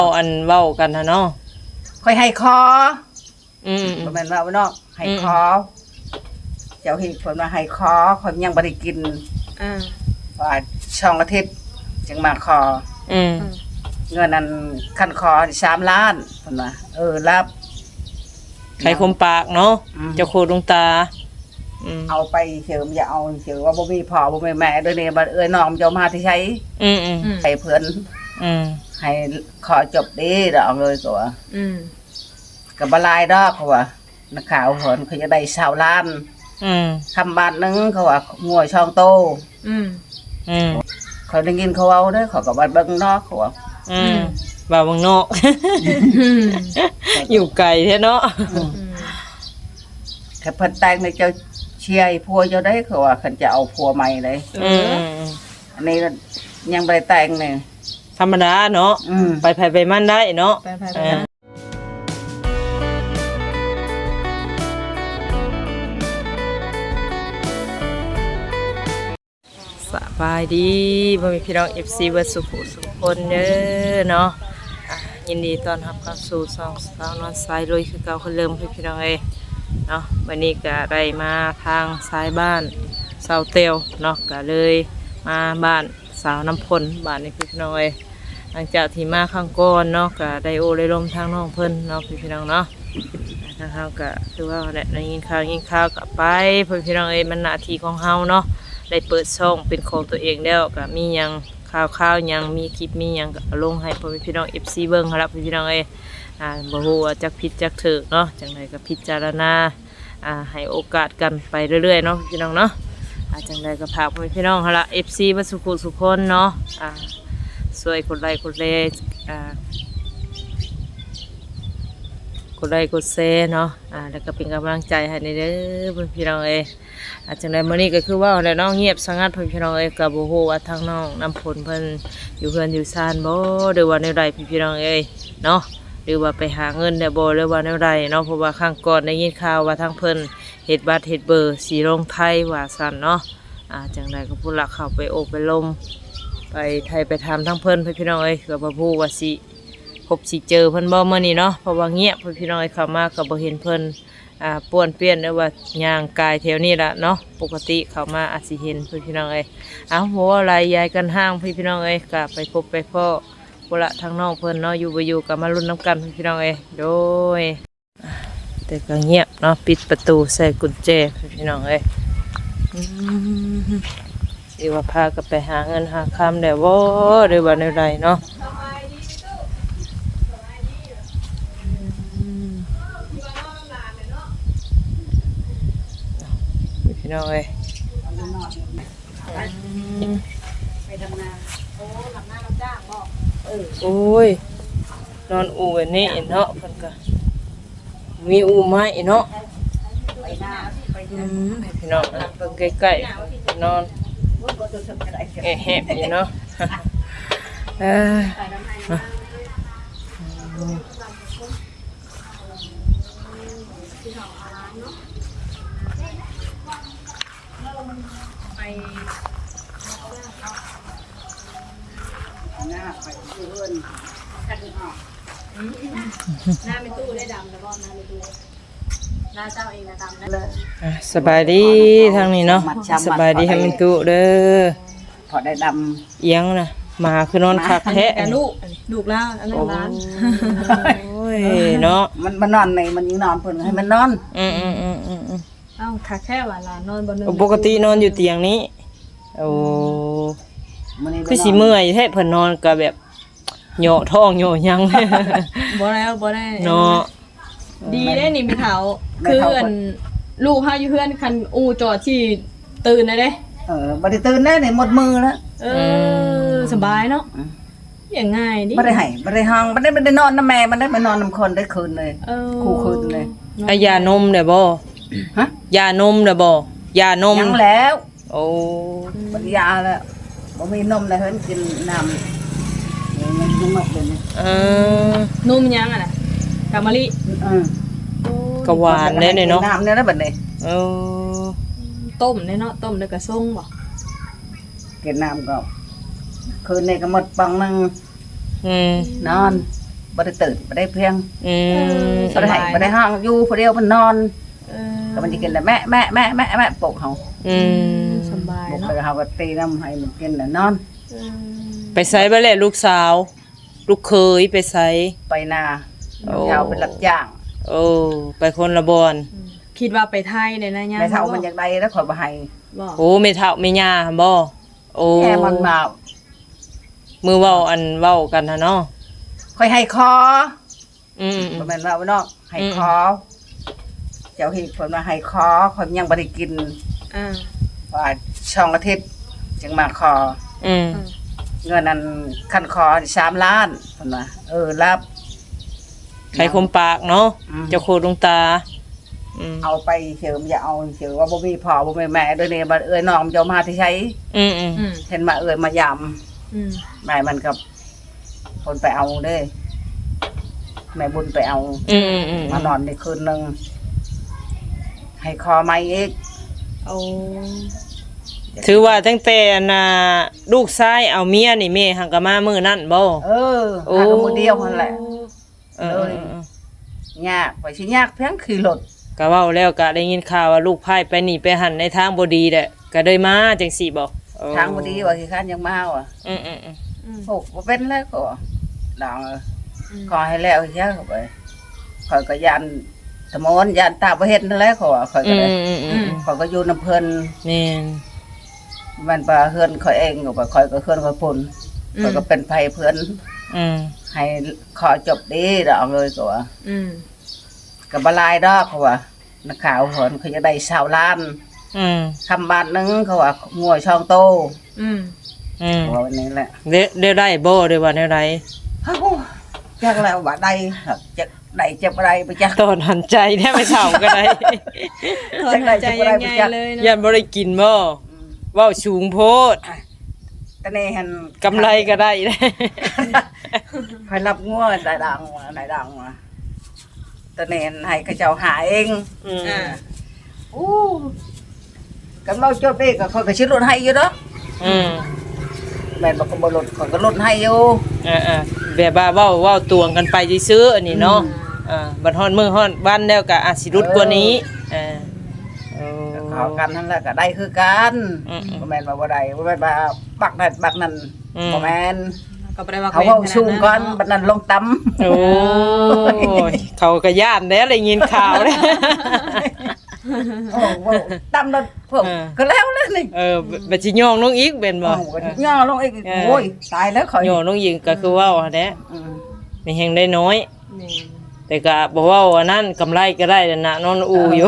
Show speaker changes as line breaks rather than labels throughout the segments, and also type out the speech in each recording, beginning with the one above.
เอาอันเว้ากันนะเนาะ
ค่อยให้คอ
บ่
แม่นว่าเนาะให้คอเจ้าเฮ็ดเพิ่นว่าให้คอข่อยยังบ่ได้กินว่าช่องอาทิตย์จึงมาคอเงินนั้นคันคอ3 ล้านเพิ่นว่ารับ
ไข่คมปากเนาะเจ้าโคดวงตา
เอาไปเฉยอย่าเอาเฉยว่าบ่มีพ่อบ่มีแม่เด้อนี่บัดน้องเจ้ามาที่ใช้ให้เพิ่นให้ขอจบดีดอกเลยก็ว่าก็บ่หลายดอกเขาว่านักข่าวเพิ่นเขาจะได้20 ล้านคำบาทนึงเขาว่างัวช่องโตเขาได้ยินเขาเอาเด้อเขาก็บ่เบิ่งนอกเขาว่า
บ่าวเบิ่งนอกอยู่ไกลแท้เนาะ
ถ้าเพิ่นแต่งในเจ้าเชียร์ผัวเจ้าได้เขาว่าเพิ่นจะเอาผัวใหม่เลยอันนี้ยังบ่ได้แต่งนี่
ธรรมดาเนาะไปไผไปมันได้เนาะสบายดีพ่อแม่พี่น้อง FC เบิดสุขสุขคนเด้อเนาะยินดีต้อนรับเข้าสู่ช่องสาวนวลสายลุยคือเก่าคนเริ่มพี่น้องเอ้ยเนาะวันนี้ก็ได้มาทางซ้ายบ้านสาวเตียวเนาะก็เลยมาบ้านสาวน้ำพลบ้านนี้พี่น้องเอ้ยหลังจากที่มาข้างก้อนเนาะก็ได้โอได้ลมทางน้องเพิ่นเนาะพี่น้องเนาะทางเฮาก็คือว่าได้ยินข่าวก็ไปพี่น้องเอ้ยมันหน้าที่ของเฮาเนาะได้เปิดช่องเป็นของตัวเองแล้วก็มียังข่าวยังมีคลิปมียังก็ลงให้พี่น้อง FC เบิ่งครับพี่น้องเอ้ยบ่ฮู้ว่าจักผิดจักถูกเนาะจังไดก็พิจารณาให้โอกาสกันไปเรื่อยๆเนาะพี่น้องเนาะจังไดก็พาพี่น้องหั่นล่ะ FC บ่สุขคนเนาะช่วยกดไลค์กดแชร์กดไลค์กดแชร์เนาะแล้วก็เป็นกำลังใจให้เด้อพี่น้องเอ้ยจังไดมื้อนี้ก็คือว่าแล้วเนาะเงียบสงัดพี่น้องเอ้ยก็บ่ฮู้ว่าทางน้องน้ำฝนเพิ่นอยู่เฮือนอยู่ซ่านบ่หรือว่าแนวใดพี่น้องเอ้ยเนาะหรือว่าไปหาเงินได้บ่หรือว่าแนวใดเนาะเพราะว่าครั้งก่อนได้ยินข่าวว่าทางเพิ่นเฮ็ดบัตรเฮ็ดเบอร์สีลงไทยว่าซั่นเนาะจังไดก็พุ่นละเข้าไปโอบไปลมไปไทยไปถามทางเพิ่นพี่น้องเอ้ยก็บ่ฮู้ว่าสิพบสิเจอเพิ่นบ่มื้อนี้เนาะเพราะว่าเงียบพี่น้องเอ้ยเข้ามาก็บ่เห็นเพิ่นป้วนเปี้ยนหรือว่าย่างกายแถวนี้ละเนาะปกติเข้ามาอาจสิเห็นพี่น้องเอ้ยหัวอะไรยายกันห้างพี่น้องเอ้ยก็ไปพบไปพ่อพุ่นละทางน้องเพิ่นเนาะอยู่บ่อยู่ก็มาลุ้นน้ำกันพี่น้องเอ้ยโดยแต่ก็เงียบเนาะปิดประตูใส่กุญแจพี่น้องเอ้ยสิว่าพาก็ไปหาเงินหาคำได้บ่หรือว่าแนวใดเนาะพี่น้องเอ้ย
ไปทำงานทำงานรับจ้างบ่
โอ้ยนอนอู่แบบนี้เนาะเพิ่นก็มีอู่ไม้เนาะ
ไปหน้าไป
พี่น้องเบิ่งใกล้ๆนอนแหบอยู่เนาะ
หน้าไปเพื่อนคันออกหน้าเป็นตู้ได้ดำแล้วก็หน้าเป็นตู้หน้าเจ้าเองนะดำนั่นเลย
สบายดีทางนี้เนาะสบายดีให้มันตุเด้อ
พอได้ดำ
เอียงนะมาคือนอนคักแท้
ลูกแล้วอันนั้นร้าน
โอ้ยเนาะ
มันนอนในมันยิงนอนเพิ่นให้มันนอน
เอ้าคักแค่ว่าหลานนอนบนนึง
ปกตินอนอยู่เตียงนี้โอ้คือสิเมื่อยแท้เพิ่นนอนก็แบบเหยาะท้องเหยาะยัง
บ่ได้
เนาะ
ดีได้นี่มีเขาคือลูกเฮาอยู่เพื่อนคันอูจอดที่ตื่นได้เด้
บ่ได้ตื่นได้นี่หมดมือแล้ว
สบายเนาะอย่างง่ายดิ
บ่ได้ให้บ่ได้ห้องบ่ได้นอนน้ำแม่มันได้มานอนน้ำคนได้คืนเลยคู่คืนเลย
ยานมได้บ่
ฮะ
ยานมได้บ่ยานม
ยังแล้ว
โอ้
บ่ยาแล้วบ่มีนมแล้วเพิ่นกินน้ำมันกินหมดเลย
นมยังอ่ะน่ะกะมะลิ
ก็หวานได้เนาะ
น้ำเนี่ยนะบัดนี้
ต้มเนาะต้มแล้วก็ส่งบ่
กินน้ำก็คืนนี้ก็หมดปังนึงนอนบ่ได้ตื่นบ่ได้เพียง
อืม
บ่ได้ให้บ่ได้ห้องอยู่ผู้เดียวมันนอน
เออ
ก็มันสิกินแต่แม่ปลุกเฮา
อืม
สบาย
ปลุก
เนาะ
ไปเฮาก็ตีน้ำให้มันกินแล้วนอน
เออ
ไปไสบ่แหละลูกสาว ลูกเคยไปไส
ไปนา
โอ้
เช้าเป็นรับจ้าง
โอ้ไปคนละบอน
คิดว่าไปไทยเนี่ยนะย่า
แม่เฒ่ามันอยากได้แล้วขอยบ่ให้
บ่
โอ้แม่เฒ่าแม่ย่าหั่นบ่โอ้
แม่มันมา
มือเว้าอันเว้ากันน่ะเนาะ
ค่อยให้คอ
อืม
บ่แม่นว่าเนาะให้คอเจ้าที่เพิ่นว่าให้คอข่อยยังบ่ได้กิน
อ่า
ว่าช่องอาทิตย์จึงมาคอ
อืม
เงินนั้นคันคอ3 ล้านเพิ่นว่ารับ
ไข่คมปากเนาะ
อืม
เจ้าโคดวงตาอืม
เอาไปเฉิมอย่าเอาเฉิมว่าบ่มีพ่อบ่มีแม่เด้อนี่บัดน้องมันจะเอามาที่ใช้
อืมอืม
อืม
เห็นมามายาม
อืม
แม่มันกับคนไปเอาเด้แม่บุญไปเอา
อืมอืม
มานอนในคืนนึงให้คอไม้อีก
เอา
ถือว่าตั้งแต่น่ะลูกชายเอาเมียนี่แม่หังก็มามื้อนั้นบ่
โอ้หามือเดียวนั่นแหละ
เออ
ยากไปสิยากเพียงขี่รถ
ก็เว้าแล้วก็ได้ยินข่าวว่าลูกพายไปนี่ไปหันในทางบ่ดีแหละก็เลยมาจังซี่บ่โอ้
ทางบ่ดีว่าสิคันยังมาว่ะ
อืมอืมอืม
อืม
โอ้บ่เป็นแล้วก็ดองขอให้แล้วเสียเข้าไปข่อยก็ยันตะมอนยันตาบ่เฮ็ดนั่นแหละขอข่อยก็ได้ ข่อยก็อยู่นำเพิ่น
แม่น
มันปลาเฮือนข่อยเองก็ข่อยก็เฮือนข่อยพุ่นข่อยก็เป็นไผเพิ่น
อืม
ให้ขอจบดีดอกเลยก็ว่า
อืม
ก็บ่ลายดอกเขาว่านักข่าวเพิ่นเขาจะได้20 ล้าน
อืม
คำบาทหนึงเขาว่างัวช่องโต
อืม
อืม
เขาว่าวันนี้แหละ
ได้ได้บ่ได้ว่าแนวใด
เฮ้าจักแล้วว่าได้ครับจักได้จักบ่ได้บ่จัก
ตอนหันใจแท้ไม่เฒ่าก็ได้
ถอนหายใจยังไงเลย
ยั
เนาะ
นบ่ได้กินบ่เว้าสูงโพด
ตอนนี้หัน
กำไรก็ได้
ข่อยรับงัวได้ดังว่าตอนนี้หันให้เขาเจ้าหาเอง
อืม
อ่า
อู้กันเมาจบเด้ก็ข่อยก็สิลดให้อยู่ดอก
อืม
แม่นบ่ก็บ่ลดข่อยก็ลดให้อยู่
แบบว่าเว้าตวงกันไปซื้อๆอันนี้เนาะบัดฮ้อนมื้อฮ้อนบ้านแล้วก็อาจสิรุดกว่านี้โอ้
ขอกันนั่นแหละก็ได้คือกัน
อืม
บ่แม่นว่าบ่ได้บ่แม่นว่าปักนั่นปักนั่น
อืม
บ่แม่น
ก็บ่ได้ว่า
เขาเว้าสูงก่อนบัดนั้นลงต่ำ
โอ้ยเขาก็ย่านแล้วได้ยินข่าวแล้ว
โอ้เว้าต่ำแล้วพวกก็แล้วนี่
บัดสิย่องลงอีกเป็นบ่
โอ้ก็ย่อลงอีกโอ้ยตายแล้วข่อย
ย่องลงอีกก็คือเว้าหั่นแหละ
อืม
มีแฮงได้น้อย
แม่น
แต่ก็บ่เว้าอันนั้นกำไรก็ได้นั่นน่ะนอนอูอยู่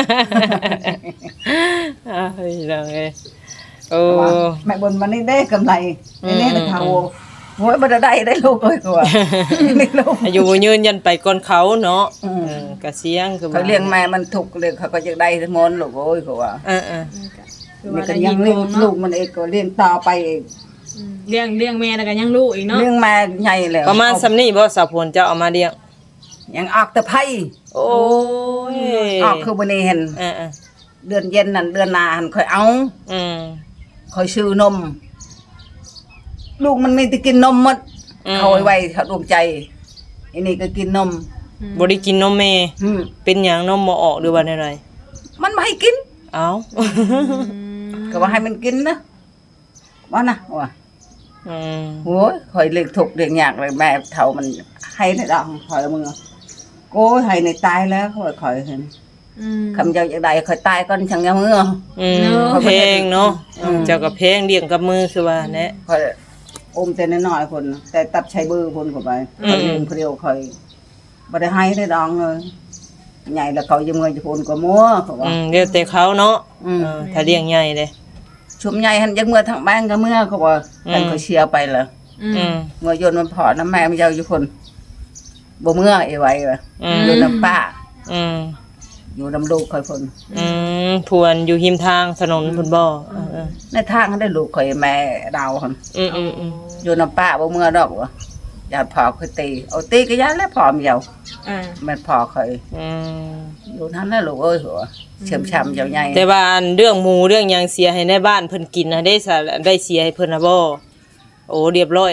เฮ้ยดังเอ้ยโอ้
ว่าแม่บนมันนี่ได้กำไร
อืม
นี่ๆเขาโอ้ยบ่ได้ลูกเอ้ยก็ว่านี่ลูก
อายุยืนยันไปก่อนเขาเนาะ
อืม
ก็เสียงคือ
เขาเลี้ยงแม่มันทุกข์เลยเขาก็จะได้ทั้งหมดลูกโอ้ยก็ว่า
เออ
คือ
นี่
ว่า
ก็
ได้
ยั
ยิ
ง
น
เลี้ยง
เนาะ
ลูกมันเองก็เลี้ยงต่อไปเอง
อืมเลี้ยงแม่แล้วก็ยังลูกอีกเนาะ
เลี้ยงมาใหญ่แล้ว
ประมาณสำนี้บ่สาวพลเจ้าเอามาเลี้ยง
ยังออกแต่ไผ
โอ้ย
ออกคือบ่ได้เห็น
เออ
เดือนเย็นนั่นเดือนหน้าหันค่อยเอา
อืม
ค่อยซื้อนม ลูกมันมีแต่กินนมหมด
อืม
เขาไว้เขาดวงใจอันนี้ก็กินนม
บ่ได้กินนมแม่
อืม
เป็นหยังนมบ่ออกหรือว่าแนวใด
มันไม่ให้กิน
เอ้า
ก็ว่าให้มันกินนะว่านะว่า
อืม
โอ้ยค่อยเลี้ยงทุกข์เลี้ยงยากเลยแม่เฒ่ามันให้ในดองค่อยมึงโอ้ยให้ในตายแล้วค่อยเห็น
อืม
คำเจ้าอย่างใดค่อยตายก่อนช่างยังมือ
อืม
เนอะ
เพลงเนาะ
อืม
เจ้าก็เพลงเลี้ยงกับมือคือว่าแหละ
ค่อยอมแต่น้อยๆคนแต่ตัดใช้เบอร์คนเข้าไป
อืม
ค่อยเลี้ยงคนเดียวค่อยบ่ได้ให้ในดองเลยใหญ่แล้วเขายังเงินจะพูนก็มัวเขาว่า
เดี๋ยวแต่เขาเนาะ
อืม
ถ้าเลี้ยงใหญ่เลย
ชุมใหญ่หันยังเมื่อทางบ้านก็เมื่อเขาว่ากันเขาเชียร์ไปเลย
อื
อื
ม
ม
เมื่อยนต์มันพอน้ำแม่มันเจ้าอยู่คนบ่เมื่อไอ้ไว้ว่ะ
อืม
อยู่น้ำป้า
อืม
อยู่น้ำลูกคอยคน
พวนอยู่หิมทางถนนพุ่นบ่เออ
ในทางเขาได้ลูกคอยแม่ดาวคน
อืม
อยู่น้ำป้าบ่เมื่อดอกว่ะญาติพ่อคอยตีเอาตีก็ยานแล้วพอมเดียว
อ่า
แม่พ่อคอย
อืม
อยู่นั้นแล้วลูกเอ้ยหัวเชื่อมช้ำเจ้าใหญ่
แต่ว่าอันเรื่องหมูเรื่องหยังเสียให้ในบ้านเพิ่นกินนะได้เสียให้เพิ่นนะบ่โอ้เรียบร้อยแล้ว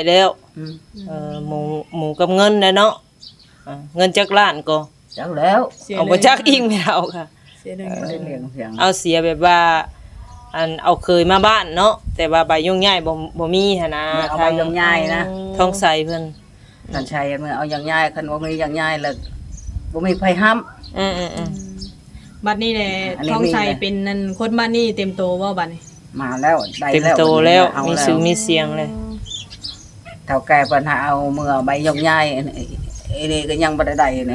อืม
หมูกับเงินได้เนาะเงินจักล้านก็
จักแล้ว
เสีย
เอา
เล
บ่
ย
จักอิงไม่เอาค่ะ
เสียเลย
ได้เลี้ยงเพียง
เอาเสียแบบว่าอันเอาเคยมาบ้านเนาะแต่ว่าใบยุ่งง่ายบ่มีหั่นนะ
เอาไปยังง่ายนะ
ท้องใส่เพิ่น
ท่านชายมันเอาอย่างง่ายคันบ่มีอย่างง่ายแล้วบ่มีไผห้าม
อืม
บัดนี้แหละ
อันนี้
ท้องใส่
มีเลย
เป็นนั่นคนบ้านนี่เต็มโตบ่บัดนี้
มาแล้วได้
เต็ม
แล้ว
โตแล้ว
เอา
มี
แล้ว
ชื่อมีเสียงเลย
เท่าแก่ปัญหาเอาเมื่อใบยงง่ายอันนี้ก็ยังบ่ได้นี่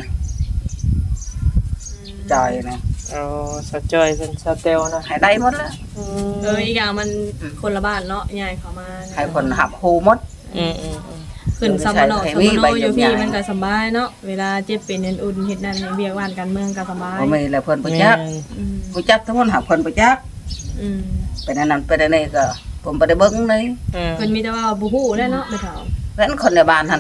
จอยนะ
อ๋อสะจอยเพิ่นสะเตลนะ
ให้ได้หมดแล้ว
อีกอย่างมันคนละบ้านเนาะยายเขามา
ให้คนหับฮูหมด
อืม
ขึ้นซัมมโน
ให้
ซัม
มี
มโน
ใบ
อยู่
ยก
พี่
ย้าย
มันก็สบายเนาะเวลาเจ็บเป็นอุ่นเฮ็ดนั่นเบียกบ้านการเมืองก็สบาย
บ่มีแล้วเพิ่นบ่จัก
อืม
บ่จักทั้งคนหับเพิ่นบ่จัก
อืม
เป็นอันนั้นเป็นอันนี้ก็ผมบ่ได้เบิ่งเลย
เพิ่นมีแต่ว่าบ่ฮู้แหล้วเนาะไปเฒ่า
เพราะฉะนั้นคนในบ้านหั่น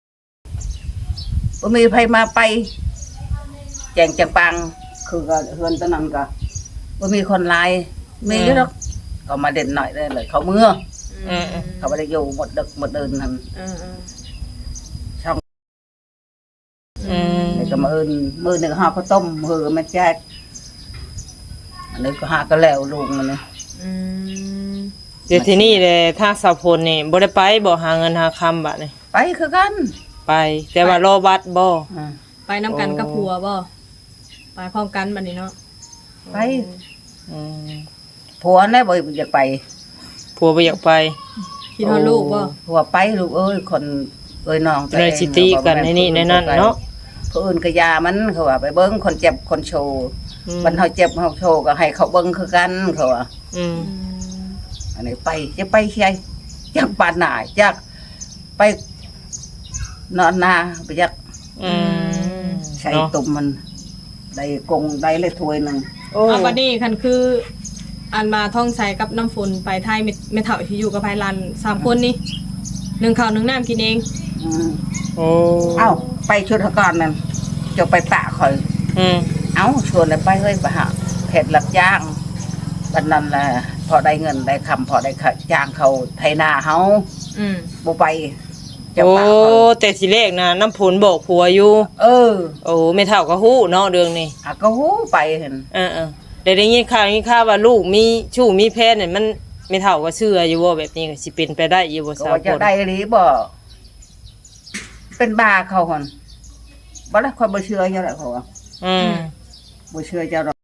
บ่มีไผมาไปแจงจังปังคือก็เฮือนตอนนั้นก็บ่มีคนหลายมีอยู่ดอกก็มาเด่นหน่อยเลยเขาเมื่อ เขาบ่ได้อยู่หมดดึกหมดเดินหั่น นี่ก็มาเอิ้นมื้อหนึงหาข้าวต้มมื้อก็มาแจกอันนี้ก็หาก็แล้วลุงมันนี่
เดี๋ยวที่นี่เลยถ้าสาวพลนี่บ่ได้ไปบ่หาเงินหาคำบัดนี่
ไปคือกัน
ไป แต่ว่ารอบัตรบ่
อ่า
ไปนํกันกับผัวบ่ไปพร้อมกันบัดนี้เนาะ
ไป
อืม
ผัวน่ะบ่อยากไป
ผัวบ่อยากไป
คิดฮอดลูกบ่
ผัวไปลูกเอ้ยคนเอ้ยน้อง
เลยสิตีกันในนี่ในนั่นเนาะ
ผู้อื่นก็ยามันเขาว่าไปเบิ่งคนเจ็บคนโชว์มันเฮาเจ็บเฮาโชว์ก็ให้เขาเบิ่งคือกันเขาว่า
อืม
อันนี้ไปจะไปใช่จักปานหน้าจักไปนอนนาไปจัก
อืม
ใช้
เนาะ
ตุ่มมันได้กงได้เลยถ้วยหนึง
โอ้
บัดนี้คันคืออันมาท่องใส่กับน้ำฝนไปไทยแม่เฒ่าที่อยู่กับภายลัน3คนนี่นึ่งข้าวนึ่งน้ำกินเอง
อืม
โอ้
เอ้าไปชุดก่อนนั่นจะไปปะข่อย
อืม
เอ้าชวนเลยไปเฮ้ยไปหาเผ็ดรับจ้างบันนั้นแหละพอได้เงินได้คำพอได้จ้างเขาไถนาเฮา
อืม
บ่ไปจะ
โอ้
ปะข่อย
แต่สิเลขนะน้ำผลบอกผัวอยู่
เออ
โอ้ไม่เท่าก็ฮู้เนาะเรื่องนี้
หาก็ฮู้ไปเห็น
ได้ยินข่าวว่าลูกมีชู้มีแฟนนี่มันไม่เท่าก็เชื่ออยู่ว่าแบบนี้ก็สิเป็นไปได้อยู่บ่
ก็
สาว
ว่า
ค
จะ
น
ได้หรือบ่เป็นบ้าเขาหั่นบ่ได้ค่อยบ่เชื่อเจ้าดอกเขาว่า
อืม
บ่เชื่อเจ้าดอก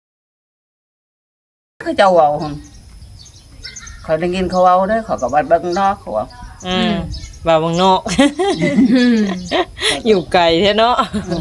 คือเจ้าเว้าหั่นเขาได้ยินเขาเว้าเด้อเขาก็ว่าเบิ่งนอกเขาว่า
อืมว่าเมืองนอก อยู่ไกลแท้เนาะ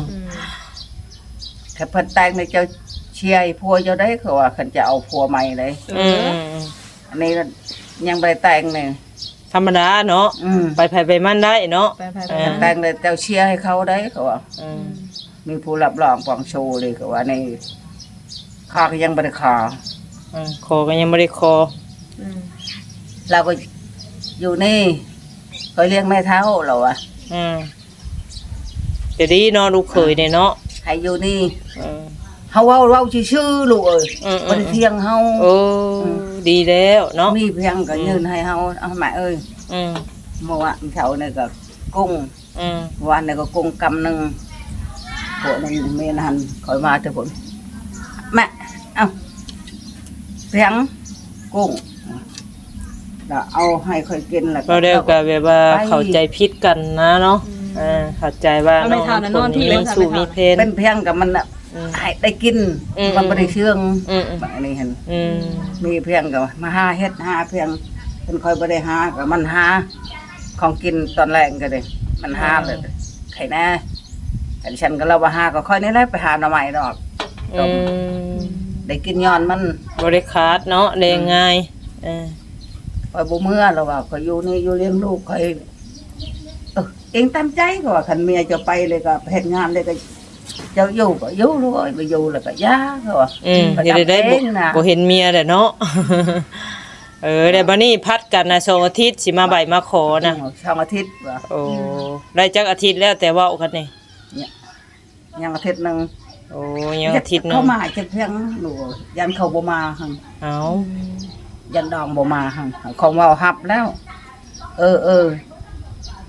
ถ้าเพิ่นแต่งในเจ้าเชียร์ให้ผัวเจ้าได้เขาว่าคันจะเอาผัวใหม่เลย
อืม
อันนี้ยังบ่ได้แต่งนี่
ธรรมดาเนาะ
อืม
ไปไผไปมันได้เนาะ
ไปไป
เอ
ไป
อ
แต่งเลยเจ้าเชียร์ให้เขาได้เขาว่า
อืม
มีผู้รับรองปองโชว์เลยเขาว่าในข้าก็ยังบ่ได้ขอ
คอก็ยังบ่ได้คอ
เราก็อยู่นี่เคยเลี้ยงแม่เฒ่าเราอะ
อืมจะดีเนาะลูกเขยเนี่ยเนาะ
ให้อยู่นี่
อืม
เฮาเว้าชื่อๆลูกเอ้ย
อืม
บ่ได้เที่ยงเฮา
โอ้ดีแล้วเนาะ
มีเพียงก็ยืนให้เฮาเอาแม่เอ้ย
อืม
เมื่อวานเช้านี่ก็กุ้ง
อืม
เมื่อวานนี่ก็กุ้งกำหนึงพวกนั้นแม่นันคอยมาเถอะพุ่นแม่เอ้าเพียงกุ้งแล้วเอาให้ค่อยกินแล้ว
เราเรียกกันแบบว่าเข้าใจผิดกันนะเนาะเข้าใจว่า
เอาไม่ทานนะนอนที่
เรื่องสู่มีเพน
เป็นเพียงกับมันน่ะ
อืม
ให้ได้กิน
อืม
มันบ่ได้เชื่อง
อืม
แบบนี้เห็น
อืม
มีเพียงกับมาหาเฮ็ดหาเพียงเป็นคอยบ่ได้หากับมันหาของกินตอนแรกก็ได้มันหาเลยไข่แน่แต่ฉันก็เราบ่หาก็ค่อยนี่แหละไปหาหน่อไม้ดอก
อืม
ได้กินย้อนมัน
บริคาดเนาะเรียงง่ายเออ
คอยบ่เมื่อแล้วว่าคอยอยู่นี่อยู่เลี้ยงลูกคอยเองตามใจก็ว่าคันเมียจะไปเลยก็เฮ็ดงานเลยก็เจ้าอยู่ก็อยู่ลูกเอ้ยบ่อยู่แล้วก็ย่าก็ว่า
เดี๋ยวได้
เองนะ
บ่เห็นเมียแหละเนาะ แต่บัดนี้พัดกันนะ2อาทิตย์สิมาใบมาขอนะ
ช่องอาทิตย์ว่า
โอ้ได้จักอาทิตย์แล้วแต่เว้ากันนี่
ยังอาทิตย์หนึง
โอ้ยังอาทิตย์หนึ
เข้าง มาจะเพียงหนูยันเขาบ่มาหั่น
เอ้า
ยันดองบ่มาหั่นของเว้าฮับแล้ว เออ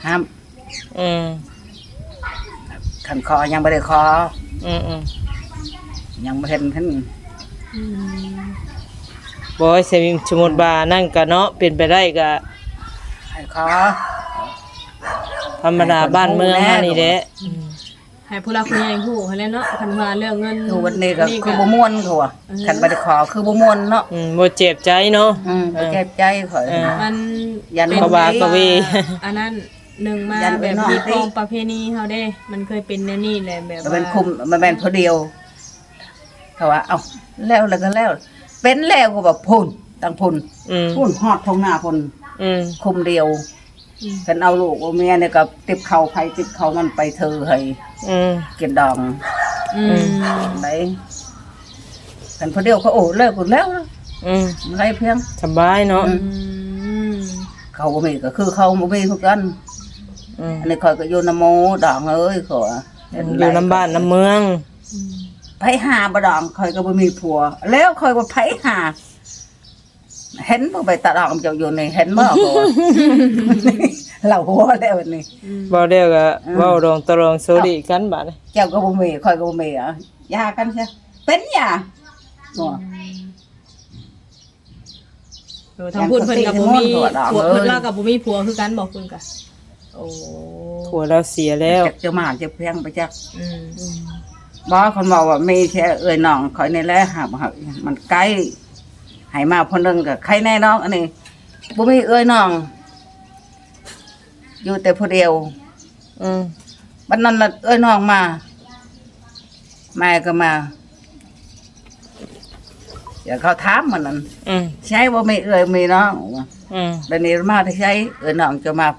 ห้าม
อืม
คันคอยังบ่ได้คอ
อืม
ยังบ่เห็นเพิ่น
บ่ใช่สมมุติว่านั่นก็เนาะเป็นไปได้ก็
ให้คอ
ธรรมดาบ้านเมืองเฮานี่แหละ
ให้ผู้หลักผู้ใหญ่ฮู้ให้แล้วเนาะคันว่าเรื่องเงิน
คือวันนี้ก็คือบ่ม่วนเขาว่าคันบ่ได้คอคือบ่ม่วนเนาะ
บ่เจ็บใจเนาะ
บ่เจ็บใจข่อย
มัน
ยัน
กบากะวี
อันนั้นหนึ่งมา
ยันไป
แบบ
นอก
มี
ดิ
ของประเพณีเฮาเด้ มันเคยเป็นแนวนี้แหละแบบ
มัน
ว่า
เป็นคุมมันเป็นผู้เดียวเขาว่าเอ้าแล้วก็แล้ว เป็นแล้วก็แบบพุ่นตั้งพุ่น
อืม
พุ่นฮอดทงหน้าพุ่น
อืม
คุมเดียวกันเอาลูกเอาเมียเนี่ยก็ติบเข่าไผติบเข่ามันไปเธอให้
อืม
กินดอง
อืม
ไหนกันผู้เดียวเขาโอ้เลิกกันแล้วนะ
อืม
ไรเพียง
สบายเนาะ
อืม
เขาบ่มีก็คือเขาบ่มีคือกัน
อืม
อันนี้คอยก็อยู่นโมดองเอ้ยขอ
อยู่น้ำบ้านน้ำเมือง
ไผหาบ่ดองคอยก็บ่มีผัว แล้วคอยว่าไผหา เห็นบ่ไปตาดองเจ้าอยู่นี่เห็นบ่บ่เราหัวแล้วนี่
บ่เดียวก็เว้าดองตะรองโซดิกันบาดนี้
เจ้าก็บ่มีคอยก็บ่มีอ่ะยากันซะเป็นยาบ่
ทางพูดเพิ่นกับบ่มี
อย่าง
ผัว
คนตีน
เพิ่นเล่ากับบ่มีผัวคือกันบอกเพิ่นกะโอ้
ผัวเราเสียแล้ว
จักจะมาจะเพียงไปจัก
อืม
บ่คนบอกว่ามีแค่เอ้ยน้องคอยนี่แหละหาบ่มันไกลให้มาเพิ่นนึงก็ใครแน่น้องอันนี้บ่มีเอ้ยน้อง อยู่แต่ผู้เดียว
อืม
บัดนั้นน่ะเอ้ยน้องมาแม่ก็มาเดี๋ยวเขาถามมันนั่น
อืม
ใช่บ่มีเอ้ยมีน้องว่า
อืม
เดี๋ยวนี้มาที่ใช้เอ้ยน้องจะมาเพ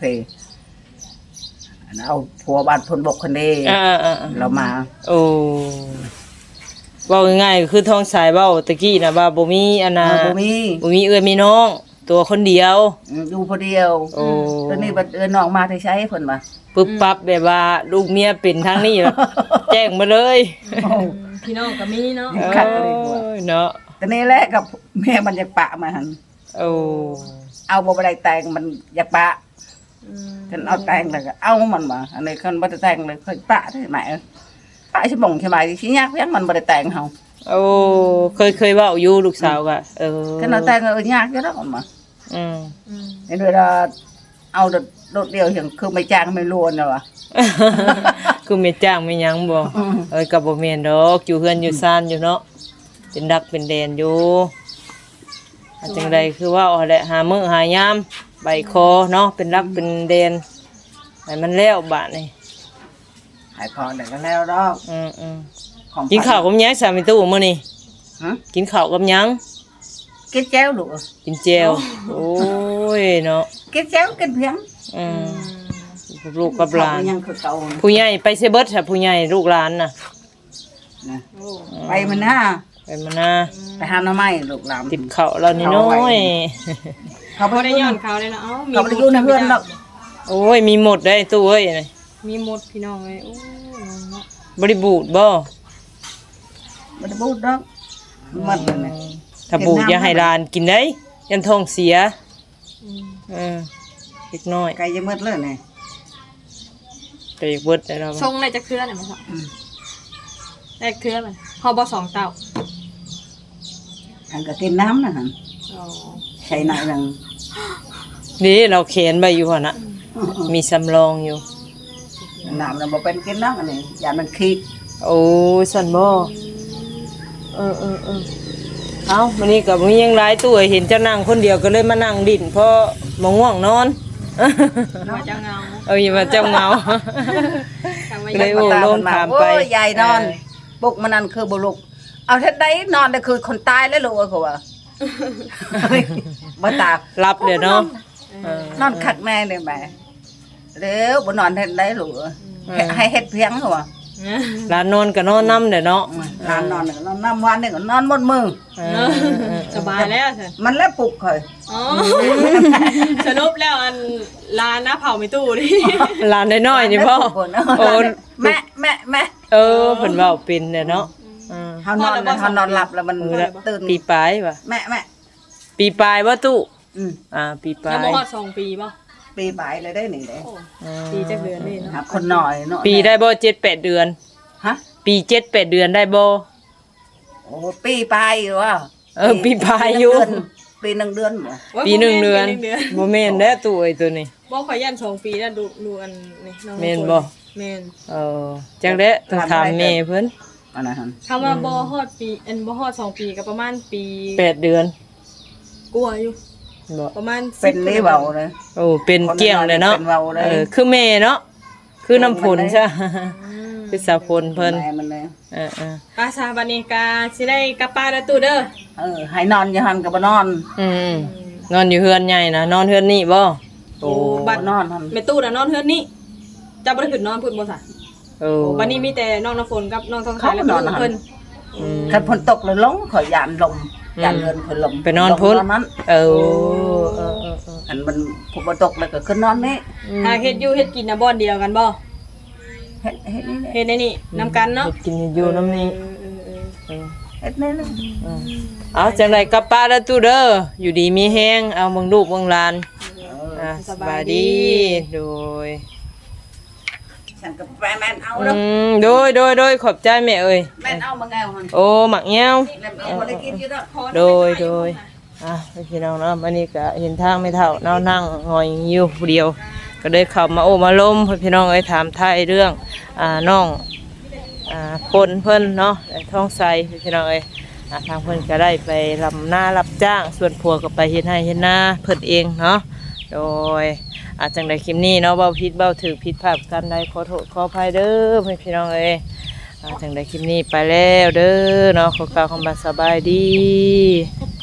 เอาผัวบ้านพลบกคนนี้ เรามา
โอ้เว้าง่ายๆก็คือท้องสายเว้าตะกี้น่ะว่าบ่มีอันน่ะ
บ่มี
บ่มีเอื้อมีน้อง ตัวคนเดียว
อยู่ผู้เดียว
โอ้
ตอนนี้บัดเอ้ยน้องมาที่ใช้เพิ่นว่า
ปึ๊บปั๊บแบบว่าลูกเมียเป็นทางนี้แบบแจ้งมาเลย
พี่น้องก็มีเนาะ
คักเลยกว่า
โอ้ยเนาะ
ตอนนี้แหละกับแม่มันอยากปะมาหั่น
โอ้
เอาบ่ได้แต่งมันอยากปะ
อืม
ฉันเอาแต่งแล้วก็เอามันมาอันนี้คันบ่ได้แต่งเลยค่อยปะได้ไหมปะสิบ่งใช่ไหมสิยากเพียงมันบ่ได้แต่งเฮา
โอ้เคยเว้าอยู่ลูกสาวก็
คันเอาแต่งยากอยู่ดอกมันมา
อืม
อืม
นี่ด้วยว่าเอาโดดเดียวอย่างคือไม่จ้างไม่รวนน่ะวะ
คือไม่จ้างไม่หยังบ่ก็บ่แม่นดอกอยู่เฮือนอยู่ซ่านอยู่เนาะเป็นดักเป็นแดนอยู่จังใดคือว่าเอาแหละหามื้อหายามใบคอเนาะเป็นรักเป็นแดนให้มันแล้วบาดนี่
หายพอได้ก็แล้วดอก
อืม
ของ
กินข้าวกับหยังสามีตู้มื้อนี้
ฮะ
กินข้าวกับหยัง
กินแจ้วลูก
กินแจวโอ้ยเนาะ
กินแจ้วกินเพียง
อืมลูกกับหลาน
เขยังคือเก่านะ
ผู้ใหญ่ไปเซเบิดค่ะผู้ใหญ่ลูกหลานน่ะ
นะ
โอ้
ไปมันหน้า
ไปมานะ
ไปหาหน่อไม้ลูกหลาน
ติบข้าวเรานี่น้อย
เขา
บ่
บ่
ได้
ได้
ย้
ย้
อ
อน น
เขาเลยเนาะเอ้า
เขาบ่ได้อยู่ในเฮือนดอก
โอ้ยมีหมดได้ตู้เอ้ยนี่
มีหมดพี่น้องเอ้ยโอ้เนาะ
บริบูรณ์บ่
บ่ได้พูดดอกมันนั่นน่ะ
ถ้าบูดอย่าให้หลานกินได้ยันท้องเสีย
อืม
เล็กน้อย
ไก่จะหมดเลยนี่
ไปเบิดได้แล้ว
ทรงได้จักเครือได้มั้ยครับได้เครือมันเฮาบ่สองเต้า
อันก็กินน้ำนั่นหั่น
อ๋อ
ใช้หน่อยหนึง
นี่เราเขียนไว้อยู่หั่นน่ะมีสำรองอยู่
น้ำน่ะบ่เป็นกินน้ำอันนี้อย่ามันขี้
โอ้ยสั่นบ่เอ้ามื้อนี้ก็มียังหลายตู้เอ้ยเห็นเจ้านั่งคนเดียวก็เลยมานั่งดิ้นเพราะบ่ง่วงนอน
ว่าจะเงา
อย่ามาเจ้าเงา
ทางว่า
เลย โอ้ลงถามไป
โอ้ยยายนอนปลุกมันนั่นคือบ่ลุกเอาเฮ็ดได้นอนได้คือคนตายแล้วลูกเขาว่าบ่ตา
รับเดี๋ยวเนาะ
นอนคักแน่เลยแม่เร็วบ่นอนเฮ็ดได้ลูกให้เฮ็ดเพียงเขาว่า
หลานนอนก็นอนนํเด้อเนาะ
นอนนอนนอนน้ำวันนี่ก็นอนหมดมือ
สบายแล้วสิ
มันแล้วปลุกเคย
อ๋อสรุปแล้วอันลานนะเผาไม่ตู้ดิ
หลานน้อยๆนี่พ่อโอ้
แม่แม่แม่
เพิ่นเว้าเป็นเด้อเนาะ
เฮานอนแล้วเฮานอนหลับแล้วมันตื่น
ปีปลายว่ะ
แม่แม่
ปีปลายบ่ตู้
อืม
ปีปลา
ยังบ่
ย
ฮอด2 ปีป่ะ
ปีปลายเลยได้นี่เด้
ปีจักเดือนนี่เนาะ
หาคนหน่อยเนาะ
ปีได้บ่7-8 เดือน
ฮะ
ปี7-8 เดือนได้บ่
โอ้ปีปลายอยู่ว่า
ปีปลายอยู่
ปีหนึ่งเดือนบ่
โอ้ย
ปี1 เดือน
ปีหงเดือน
บ่แม่นเด้อตู้ไอ้ตัวนี้
บ่ขอยัน2 ปีแล้วดูอันนี่น้อง
แม่นบ่
แม่น
จังได๋ต้องถามแม่เพิ่น
อันนั้นหั่น
คำว่าบ่ฮอดปีอันบ่ฮอด2 ปีก็ประมาณปี
8 เดือน
กว่าอยู่
บ่
ประมาณ
เป็นนี่เบาเลย
โอ้เป็นเกี้ยงเลยเนาะ
เป็นเว้าเลย
คือแม่เนาะคือน้ำผลใช่คือสาวผลเพิ่น
แม่มันเลย
เออ
อาซาบัดนี้ก็สิได้กลับป้านแล้วตู้เด้อ
ให้นอนอยู่หันก็บ่นอน
นอนอยู่เฮือนใหญ่นะนอนเฮือนนี่บ่
โอ้บั
บ่
ด
นอนหัน
แม่ตู้น่ะนอนเฮือนนี่จะบ่ได้ขึ้นนอนพุ่นบ่ซะ
โอ้
โอ้บัดนี้มีแต่น้องน้ำฝนกับน้องทองสายแล้วก็ลูกเพิ่น
คันฝนตกเลยลงขอยยานลมยานเรือนเพิ่นลม
ไปนอนพุ่น
ลงนั้น
เออ
อันมันฝนบ่ตกแล้วก็ขึ้นนอนนี่
หาเฮ็ดอยู่เฮ็ดกินน่ะบ่อนเดียวกันบ่
เฮ็ดนี่
เฮ็ดในนี่นํกันเนาะ
กินอยู่น้ำนี้
เฮ็ดนี่นะ
เอาจังไดกลับป้าแล้วตู้เด้ออยู่ดีมีแฮงเอาเบิ่งลูกเบิ่งหลานสบายดีโดย
ฉันก็แม่นเอาเด้อ
โดยขอบใจแม่เอ้ย
แม่นเอามาแงวหัน
โอ้หมักแง้ว
แม่นเอาบ่ได้กินอยู่ดอก
โดยพี่น้องเนาะวันนี้ก็เห็นทางไม่เท่าเนาะนั่งงอยอยู่ผู้เดียว ก็เลยเข้ามาโอ้มาล้มพี่น้องเอ้ยถามไทยเรื่องน้องคนเพิ่นเนาะท้องใสพี่น้องเอ้ยทางเพิ่นก็ได้ไปลำหน้ารับจ้างส่วนผัวก็ไปเฮ็ดให้เฮ็ดนาเพิ่นเองเนาะโดยจังใดคลิปนี้เนาะเว้าผิดเว้าถูกผิดพลาดกันใดขอโทษขออภัยเด้อพี่น้องเอ้ยจังใดคลิปนี้ไปแล้วเด้อเนาะขอกล่าวคำว่าสบายดี